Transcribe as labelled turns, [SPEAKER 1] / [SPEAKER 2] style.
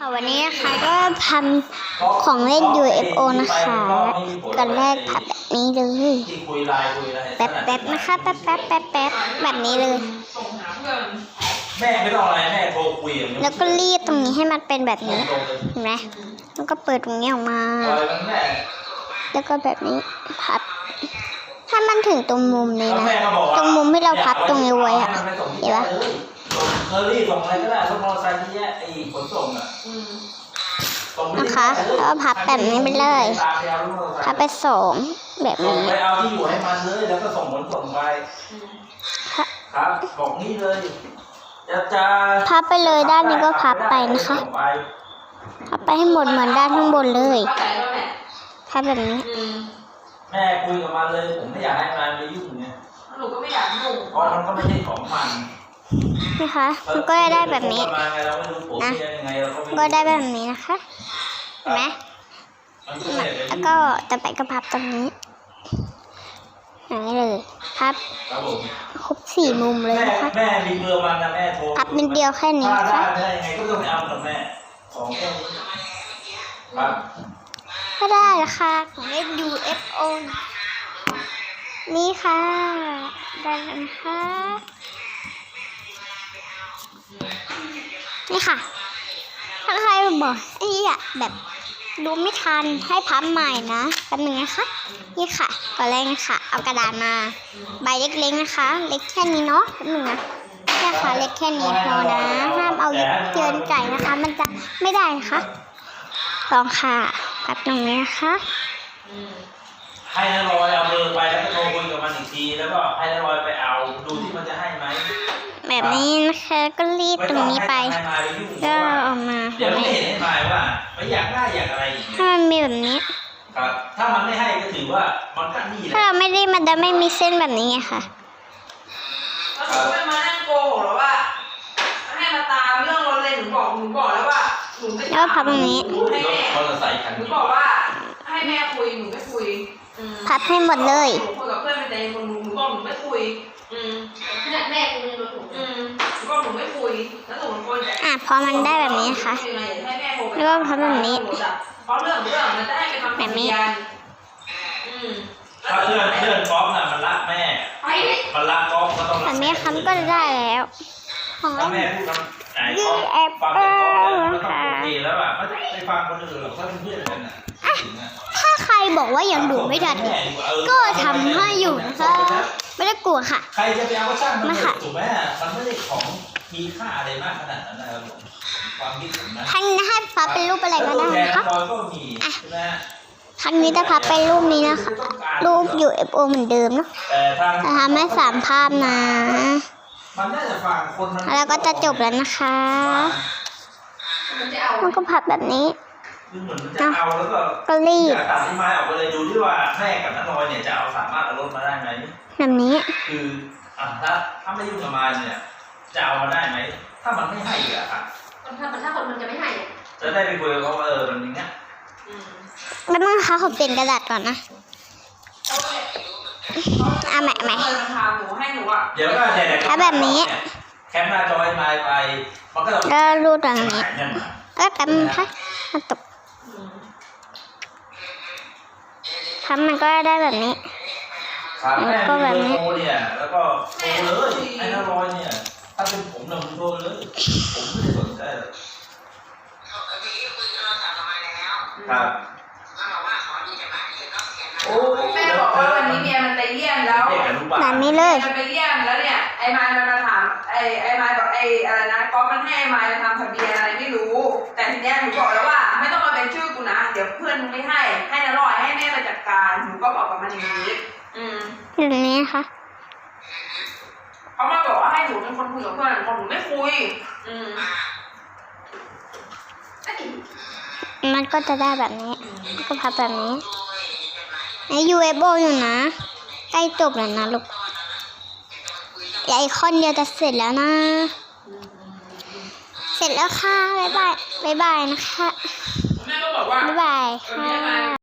[SPEAKER 1] ค่ะวันนี้นะคะก็ทำของเล่น UFO นะคะกันแรกพับแบบนี้เลยแป๊บนะคะแป๊บแบบนี้เลย
[SPEAKER 2] แม่ไม่ต้องอะไรแม่โทรคุย
[SPEAKER 1] แล้วก็รีดตรงนี้ให้มันเป็นแบบนี้เห็นไหมแล้วก็เปิดตรงนี้ออกมาแล้วก็แบบนี้พับถ้ามันถึงตรงมุมนี้นะตรงมุมที่เราพับตรงนี้ไว้อะเห็นปะ
[SPEAKER 2] เคอรี่ส่งอะไรก็ได้ส่งมอเตอร์ไซค์ที่แยกไอ้ขนส่งอ่ะ
[SPEAKER 1] นะคะแล้วก็พับแบบนี้ไปเลยพับไปสองแบบนี้
[SPEAKER 2] ไปเอาที่อยู่ให้มันเลยแล้วก็ส่งขนส่งไปครับบอกนี่เลยจะ
[SPEAKER 1] พับไปเลยด้านนี้ก็พับไปนะคะพับไปให้หมดเหมือนด้านข้างบนเลยพับแบบนี้
[SPEAKER 2] แม่คุยกับมันเลยผมไม่อยากให้มันไปยุ่งเนี่ยหนูก็ไม่อยากยุ่งเพราะมันก็ไม่ใช่ของมัน
[SPEAKER 1] นะคะมันก็ได้แบบนี้นะก็ได้แบบนี้นะคะเห็นไหมแล้วก็ต่อไปก็พับตรงนี้อย่างนี้เลยพับครบ4 มุมเลยนะคะ
[SPEAKER 2] แม่มีเบอร์มันนะแม่โทร
[SPEAKER 1] พับเป็นเดียวแค่นี้นะคะ
[SPEAKER 2] ได้ยังไงก็ต้องไปเอากับแม่ของแค่นี้ครับ
[SPEAKER 1] ก็ได้ละค่ะของเล่น UFO นี่ค่ะได้แล้วนะคะนี่ค่ะถ้าใครบอกแบบดูไม่ทันให้พับใหม่นะแป๊บนึงนะคะนี่ค่ะก่อนแรกนะคะเอากระดาษมาใบเล็กๆนะคะเล็กแค่นี้เนาะแป๊บนึงนะนี่ค่ะเล็กแค่นี้พอนะห้ามเอาเกินไก่นะคะมันจะไม่ได้นะคะลองค่ะพับตรงนี้นะคะ
[SPEAKER 2] ให้นรอยเอาเบอร์ไปแล้วก็โทรคุยกับมันอีกทีแล้วก็ให้นรอยไปเอาดูที่มันจะให้ไหม
[SPEAKER 1] แบบนี้นะคะก็รีดตรงนี้ไปก็ออกมา
[SPEAKER 2] เดี๋ยวไม่เห็นให้หมายว่าไม่อยากได้อยากอะไรอีก
[SPEAKER 1] ถ้ามันมีแบบนี้
[SPEAKER 2] ครับถ้ามันไม่ให้ก็ถือว่ามันก็นี่แหละ
[SPEAKER 1] ถ้าเราไม่ได้มันจะไม่มีเส้นแบบนี้ไงค่ะ
[SPEAKER 3] แล้วหนูไม่มานั่งโกหกหรอว่าให้มาตามเรื่องรถเลยหนูบอกแล้วว่าหนูไม่
[SPEAKER 1] แล้วพับตรงนี้
[SPEAKER 3] หนูบอกว่าให้แม่คุยหนูไม่คุย
[SPEAKER 1] พับให้หมดเลย
[SPEAKER 3] หนูคุยกับเพื่อนในคนหนูบอกหนูไม่คุยขนาดแม่คุยกับหนูก็หนูไม่คุยแล้วหนูคน
[SPEAKER 1] พอมันได้แบบนี้ค่ะแล้วก็พับแบบนี้
[SPEAKER 3] เพราะเรื่องมันจะให้ไปทำแบบนี้
[SPEAKER 2] ถ้าเพื่อนก๊อฟน่ะมันรักแม่มันรักก๊อฟก็ต้อง
[SPEAKER 1] แบบนี้คำก็จะได้แล้ว
[SPEAKER 2] ของแม่พูดคำไหนก๊อฟฟังก๊อฟแล้วก็โอเคแล้วอ่ะไม่ไปฟังคนอื่นหรอกถ้าเป็นเพื่อนกันน่ะ
[SPEAKER 1] ถ้าใครบอกว่ายังดูไม่ทันก็ทำให้อยู่นะคะไม่ได้กลัวค่ะ
[SPEAKER 2] ใครจะไปเอาก็ช่างมันถูกไหมมันไม่ได้ของมีค่าอะไรมากขนาดนั้นนะครับความคิดผมนะ
[SPEAKER 1] ครั้งนี้ให้พับเป็นรูปอะไรก็ได้นะคะครั้งนี้จะพับเป็นรูปนี้นะคะรูป UFO เหมือนเดิมเนาะจะทำให้3 ภาพนะแล้วก็จะจบแล้วนะคะมันก็พับแบบนี้
[SPEAKER 2] จะเอาแล้ว
[SPEAKER 1] ก็รีด
[SPEAKER 2] ตัดที่ไม้ออกไปเลยดูที่ว่าแม่กับน้าน้อยเนี่ยจะเอาสามารถเอารถมาได้ไหม
[SPEAKER 1] แบบนี้
[SPEAKER 2] คือถ้าไม่ยุ่งกับมันเนี่ยจะเอามาได้ไหมถ้ามันไม่ให้อะครับ
[SPEAKER 3] ถ้าคนมันจะไม่ให้
[SPEAKER 2] จะได้ไปคุยกับเขาว่ามันอย่างเงี้ย
[SPEAKER 1] แล้วมึงคะขอเปลี่ยนกระดาษก่อนนะใหม่
[SPEAKER 2] เดี๋ยวก็
[SPEAKER 1] ถ้าแบบนี้
[SPEAKER 2] แคปหน้าจอให้มาไปมันก็
[SPEAKER 1] รูดอย่างนี้ก็แป๊บนึงค่ะมาตกทำมันก็ได้แบบนี้
[SPEAKER 2] แล้วก็แบบนี้เนี่ยแล้วก็โทรเลยไอ้นารอยเนี่ยถ้าเป็นผมเนี่ยผมโทรเลยผมไม่ได้สนใจเลยครับ
[SPEAKER 3] โอ้แม่บอกว่าวันนี้เมียมันไปเยี่ยมแล้ว
[SPEAKER 1] แบบนี้เลย
[SPEAKER 3] มันไปเยี่ยมแล้วเนี่ยไอ้ไม้มันมาถามไอ้ไม้บอกอะไรนะก๊อฟมันให้ไอ้ไม้มาทำทะเบียนอะไรไม่รู้แต่ทีเนี้ยหนูบอกแล้วว่าไม่ต้องมาเป็นชื่อกูนะเดี๋ยวเพื่อนมึงไม่ให้นะรอยให้แม่มาจัดการหนูก็บอกกับมันอย่างนี้
[SPEAKER 1] อย่างนี้ค่ะ
[SPEAKER 3] เขามาบอกว่าให้หนูเป็นคนคุยกับเพื่อนหนูไม่คุย
[SPEAKER 1] มันก็จะได้แบบนี้ก็พับแบบนี้ไอ้ UFO อยู่นะใกล้จบแล้วนะลูกไอคอนเดียวจะเสร็จแล้วนะเสร็จแล้วค่ะบ๊ายบายนะคะบ๊ายบายค่ะ